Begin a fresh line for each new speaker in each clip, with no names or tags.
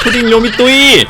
푸딩 요미또이.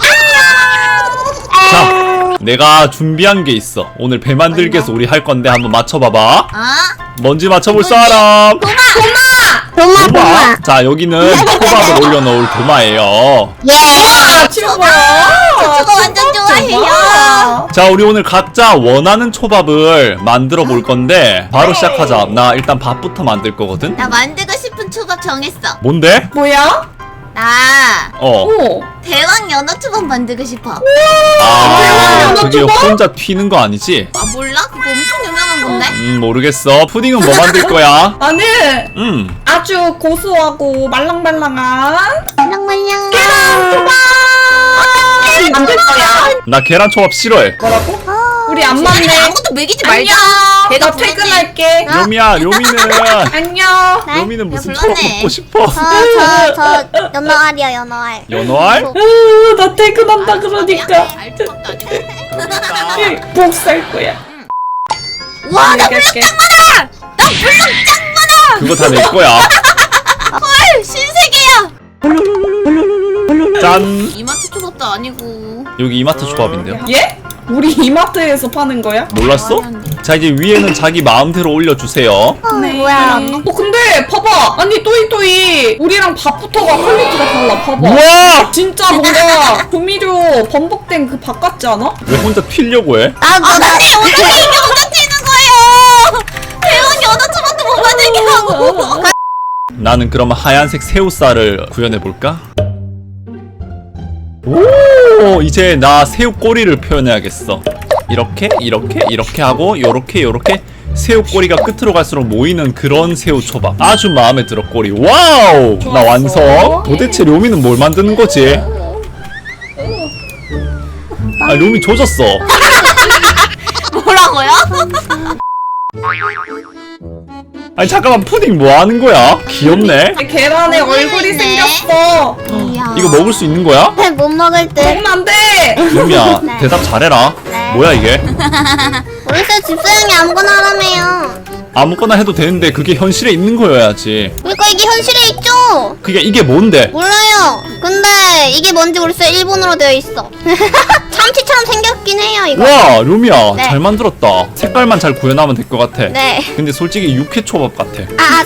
자, 내가 준비한 게 있어. 오늘 배 만들기에서 우리 할 건데 한번 맞춰봐봐. 뭔지 맞춰볼 사람. 도마. 자, 여기는 초밥을 올려놓을 도마예요.
초밥 완전 좋아해요.
자, 우리 오늘 각자 원하는 초밥을 만들어 볼 건데 바로 시작하자. 나 일단 밥부터 만들 거거든.
나 만들고 싶은 초밥 정했어.
뭔데?
뭐야?
나
오.
대왕 연어 초밥 만들고 싶어.
아, 그게 혼자 튀는 거 아니지?
아 몰라? 그거 엄청 유명한 건데?
모르겠어. 푸딩은 뭐 만들 거야?
나는 아주 고소하고 말랑말랑한
말랑말랑
계란 초밥 만들 거야.
나 계란 초밥 싫어해.
뭐라고? 우리 안 맞네.
아무것도 먹이지 말자.
나 퇴근할게.
요미야, 요미는
안녕.
요미는 무슨
불렀네.
초밥 먹고 싶어?
저 연어알이요, 연어알.
연어알?
나 퇴근한다 그러니까.
알초밥도 아니고.
복살 거야.
와, 나
갈게.
그거 다 내 거야.
헐, 신세계야.
짠.
이마트 초밥도 아니고.
여기 이마트 초밥인데요.
예? 우리 이마트에서 파는 거야?
몰랐어? 자, 이제 위에는 자기 마음대로 올려주세요.
네.
뭐야?
근데 봐봐. 아니 또이또이 우리랑 밥부터가 퀄리티가 달라. 봐봐.
우와!
진짜 뭔가 조미료 번복된 그 밥 같지 않아?
왜 혼자 튀려고 해?
나도
어떻게 이게 혼자 튀는 거예요? 대왕 연어 초밥도 못 만들게 하고.
나는 그러면 하얀색 새우살을 구현해볼까? 오, 이제 나 새우 꼬리를 표현해야겠어. 이렇게 하고 요렇게 새우 꼬리가 끝으로 갈수록 모이는 그런 새우 초밥. 아주 마음에 들어. 꼬리. 와우! 나 완성. 도대체 료미는 뭘 만드는 거지? 아, 료미 조졌어.
뭐라고요?
아니 잠깐만, 푸딩 뭐 하는 거야? 귀엽네.
계란에 얼굴이
있네.
생겼어.
이야.
이거 먹을 수 있는 거야?
못 먹을 듯.
먹으면 안 돼.
료미야,
네.
대답 잘해라.
네.
뭐야 이게?
우리 쌤 집사형이 아무거나 하라며요.
아무거나 해도 되는데 그게 현실에 있는 거여야지.
그러니까 이게 현실에 있죠?
그게 이게 뭔데?
몰라요. 근데 이게 뭔지 모르겠어요. 일본어로 되어 있어. 참치처럼 생겼긴 해요, 이거.
와, 료미야,
네.
잘 만들었다. 색깔만 잘 구현하면 될 것 같아.
네.
근데 솔직히 육회 초밥 같아.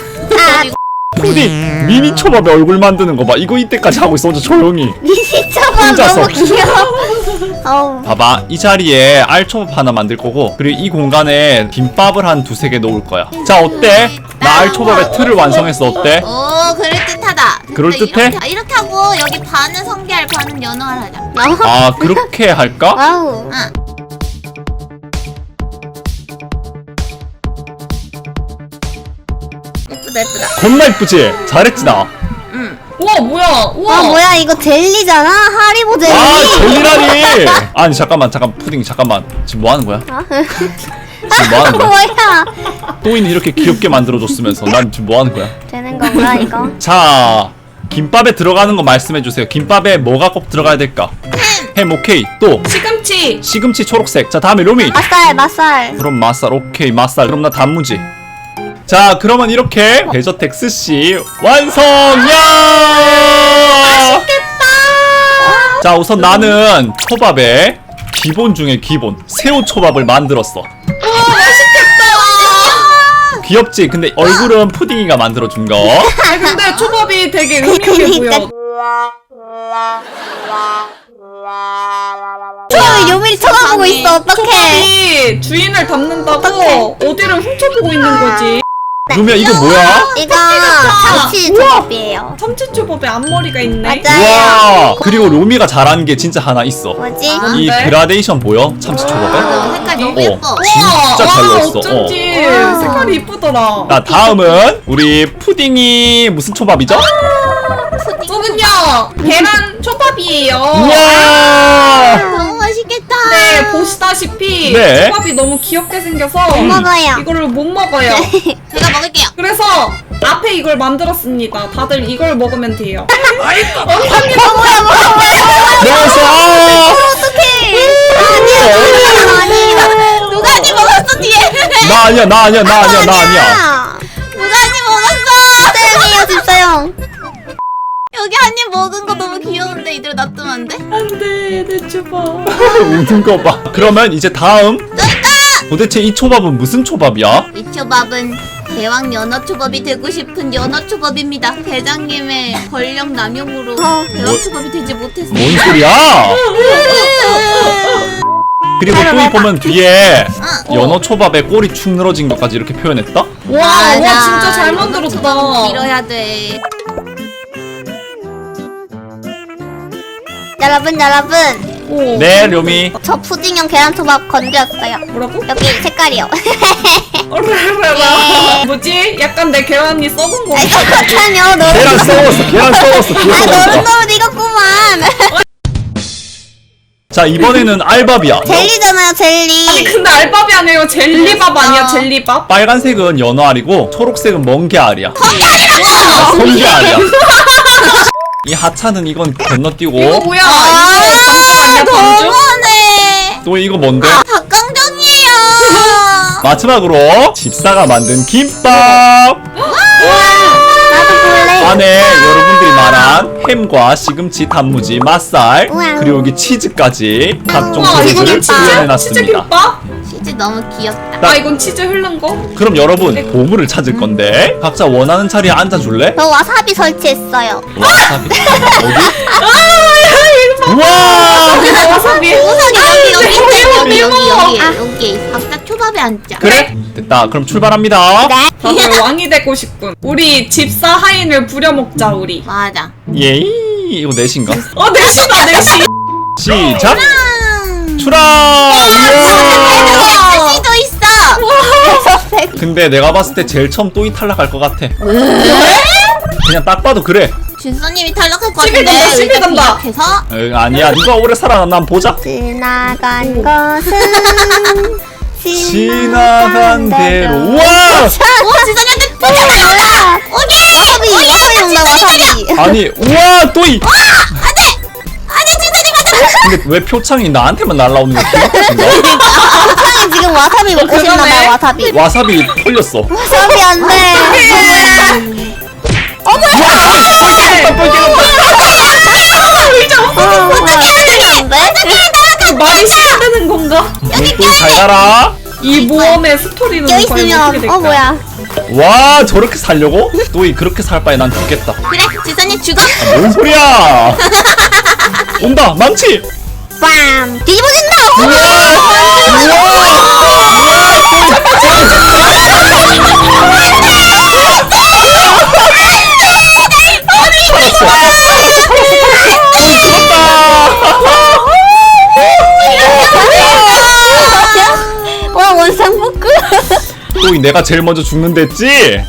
푸딩.
미니 초밥에 얼굴 만드는 거 봐. 이거 이때까지 하고 있어. 혼자 조용히.
미니초밥
혼자서.
너무 귀여워. 어우.
봐봐, 이 자리에 알초밥 하나 만들 거고, 그리고 이 공간에 김밥을 한 두세 개 놓을 거야. 자, 어때? 나 알초밥의 틀을 완성했어. 어때?
오, 그럴듯하다. 근데
그럴듯해?
이렇게 하고 여기 반은 성게알 반은 연어알 하자.
아, 그렇게 할까?
와우.
예쁘다.
겁나 이쁘지? 잘했지 나?
우와 뭐야? 우와.
아, 뭐야, 이거 젤리잖아? 하리보 젤리.
아, 젤리라니! 아니 잠깐만, 푸딩 잠깐만. 지금 뭐 하는 거야? 지금 뭐 하는 거야?
뭐야?
또이는 이렇게 귀엽게 만들어줬으면서 난 지금 뭐 하는 거야?
되는 건가, 이거?
자, 김밥에 들어가는 거 말씀해주세요. 김밥에 뭐가 꼭 들어가야 될까? 햄 오케이. 또
시금치.
시금치 초록색. 자, 다음에 로미.
맛살.
그럼 맛살. 오케이, 맛살. 그럼 나 단무지. 자, 그러면 이렇게 데저텍스씨 완성! 야! 맛있겠다! 자, 우선 나는 초밥에 기본 중에 기본 새우 초밥을 만들었어. 귀엽지? 근데 얼굴은 푸딩이가 만들어준 거.
아 근데 초밥이 되게 의미있게 보여.
저 요미리 쳐다보고 있어. 어떡해.
초밥이 주인을 닮는다고 어디를 훔쳐보고 있는 거지.
루미야, 이거 뭐야?
이거 참치 초밥이에요.
참치 초밥에 앞머리가 있네.
맞아요.
와! 그리고 로미가 잘하는 게 진짜 하나 있어.
뭐지?
이
뭔데?
그라데이션 보여? 참치 초밥에?
색깔 너무 예뻐.
진짜 잘 넣었어.
어쩐지
어.
색깔이 이쁘더라.
자, 다음은 우리 푸딩이 무슨 초밥이죠?
저는요 계란 초밥이에요.
우와!
너무 맛있겠다.
네 보시다시피
네.
초밥이 너무 귀엽게 생겨서
먹어요.
이거를 못 먹어요.
제가 먹을게요.
그래서 앞에 이걸 만들었습니다. 다들 이걸 먹으면 돼요.
먹었어!
누가 한입 먹었어 뒤에?
나 아니야.
누가 한입 먹었어?
쌤이에요, 집사형.
여기 한 입 먹은 거 너무 귀여운데 이대로 놔둬. 뜨면데?
안돼 내 초밥.
웃는 거 봐. 그러면 이제 다음. 도대체 이 초밥은 무슨 초밥이야?
이 초밥은 대왕 연어 초밥이 되고 싶은 연어 초밥입니다. 대장님의 권력 남용으로 대왕 초밥이 되지 못했어요.
뭔 소리야? 그리고 또 보면 뒤에 연어 초밥에 꼬리 축 늘어진 것까지 이렇게 표현했다?
와 진짜 잘
연어
만들었다.
초밥은 밀어야 돼.
여러분
오.
네, 료미.
저 푸딩형 계란초밥 건드렸어요.
뭐라고?
여기 색깔이요.
어라라라. 뭐지? 약간 내 계란이 썩은 거.
아이 똑같아요. 너무
계란 썩었어, 계란 썩었어, 뒤에 썩었어.
너무 익었구만.
자, 이번에는 알밥이야.
젤리잖아요 젤리.
아니 근데 알밥이 아니에요. 젤리밥 아니야 젤리밥?
빨간색은 연어 알이고 초록색은 멍게 알이야. 성게 알이야. 이 하차는 이건 건너뛰고.
이거 뭐야? 이거 반죽 아니야 반죽?
너무하네.
또 이거 뭔데?
닭강정이에요.
마지막으로 집사가 만든 김밥.
나도 볼래.
안에 여러분들이 말한 햄과 시금치, 단무지, 맛살,
우와.
그리고 여기 치즈까지 각종
와 이거는
소스를
치즈
표현해놨습니다.
김밥?
치즈 너무 귀엽다.
아 이건 치즈 흐른 거?
그럼 여러분 보물을 찾을 건데 각자 원하는 자리에 앉아줄래?
저 와사비 설치했어요.
와사비 어디? 우와!
와사비.
우선 여기
매워.
여기 각자 초밥에 앉자.
그래? 됐다. 그럼 출발합니다.
네.
다들 왕이 되고 싶군. 우리 집사 하인을 부려먹자 우리.
맞아.
예이 이거 넷인가?
넷이다 넷이.
시작! 출항!
치즈도 있어.
근데 내가 봤을 때 제일 처음 또이 탈락할 것 같아. 그냥 딱 봐도 그래.
준서님이 탈락할 것
시비
같은데
간다, 시비
일단
간다.
기억해서
아니야. 누가 오래 살아남나 한번 보자.
지나간 것은
지나간 대로. 우와!
오 준서님한테 포착하였다. 오케이.
와사비 용다 와사비.
아니 우와 또이!
아니 준서님 맞아.
근데 왜 표창이 나한테만 날라오는 거 기억하신가?
표창이 지금 와사비 먹고
그러네.
싶나봐요 와사비.
와사비 털렸어.
와사비 안돼.
말이 시작되는 건가?
또이 잘 가라.
이 모험의 스토리는 과연 어떻게
껴있으면
될까?
뭐야.
와 저렇게 살려고? 또이 그렇게 살 바에 난 죽겠다.
그래 준서님 죽어.
뭔 소리야? 온다 망치.
빰 뒤집어진다. 와 원상복구.
또이 내가 제일 먼저 죽는댔지?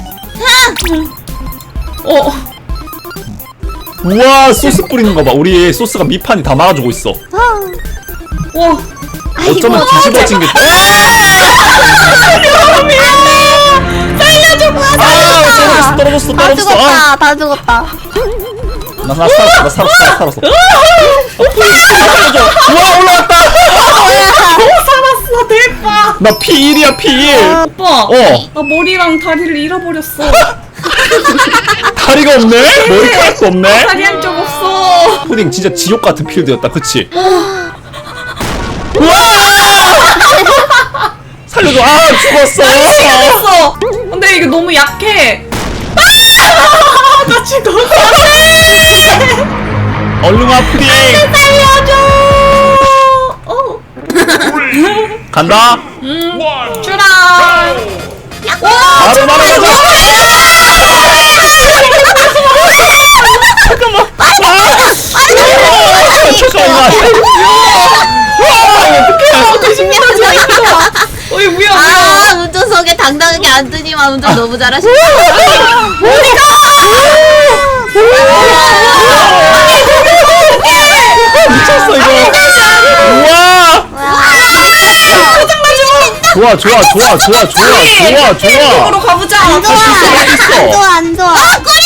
우와 소스 뿌리는 거 봐. 우리 소스가 밑판이 다 막아주고 있어.
와.
어쩌면 뒤집어진 게. 살려줘. 떨어졌어.
다 죽었다 다 죽었다.
나 살았어. 우와 올라왔다.
살았어 대박.
나 P1이야 P1.
오빠.
어.
나 머리랑 다리를 잃어버렸어.
다리가 없네? 머리카락도 없네?
다리 한쪽 없어.
푸딩 진짜 지옥 같은 필드였다, 그치? 우와! 살려줘, 아, 죽었어!
죽었어. 근데 이게 너무 약해. 나 죽었어.
얼른 와, 푸딩!
살려줘.
간다?
출항.
바로 날아가자! 잠깐만!
어이 뭐야
아 운전석에 당당하게 앉더니만 운전 너무 잘하시네.
미쳤어, 이거! 우와! 좋아!
쪽으로 가보자.
할수 있어!
안 좋아 안 좋아.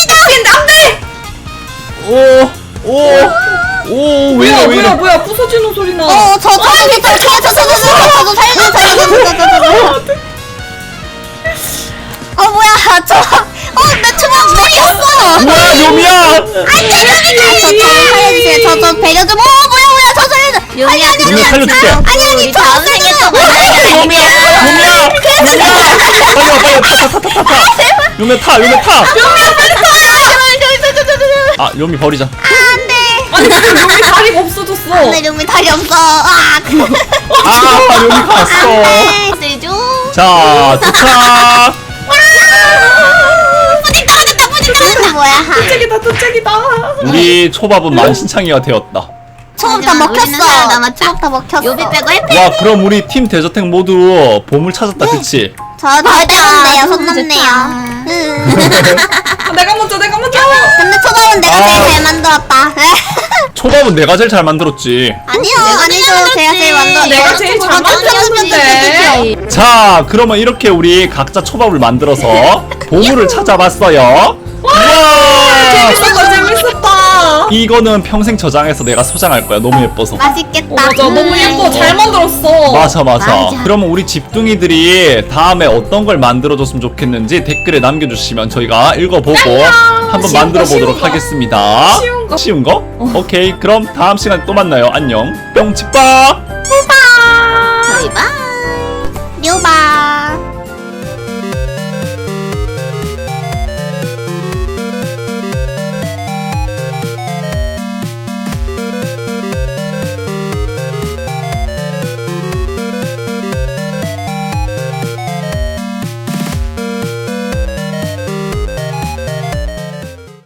왜 이래, 왜 이래?
뭐야 부서지는 소리 나.
저도 살려줘. 뭐야 내 초밥 뺏겼어.
뭐야 요미야.
저 배려 좀. 뭐야 저 살려줘.
요미야
요미 살려줄게.
아니
다음
저
생에
살려줘.
또 만나자.
요미야 빨리 와 요미 타. 아 요미 버리자.
아니 근데 여기 다리가 없어졌어.
내 용미 다리 없어. 아.
아 요미 갔어.
세죠.
자 도착.
뿌직뿌직뿌직뿌직 뭐야?
도착이다 도착이다.
우리 초밥은 만신창이가 되었다.
초밥 다
우리는
먹혔어.
살아남았다.
초밥 다 먹혔어.
요비 빼고 해피.
와 그럼 우리 팀 대저택 모두 보물 찾았다 그치?
저 빼는데요. 손
너무
넘네요.
아, 내가 먼저.
근데 초밥은 내가 제일 잘 만들었다.
초밥은 내가 제일 잘 만들었지.
아니죠. 제가 제일 만들었다.
내가 제일 잘 만들었는데.
자 그러면 이렇게 우리 각자 초밥을 만들어서 보물을 찾아봤어요. 우와
재밌었다.
이거는 평생 저장해서 내가 소장할 거야. 너무 예뻐서.
맛있겠다.
맞아 너무 예뻐. 잘 만들었어.
맞아. 그러면 우리 집둥이들이 다음에 어떤 걸 만들어줬으면 좋겠는지 댓글에 남겨주시면 저희가 읽어보고 한번
쉬운
만들어
거, 쉬운
보도록
거.
하겠습니다.
쉬운 거.
쉬운 거? 오케이 그럼 다음 시간에 또 만나요. 안녕. 뿅치빠.
저희 봐.
류바.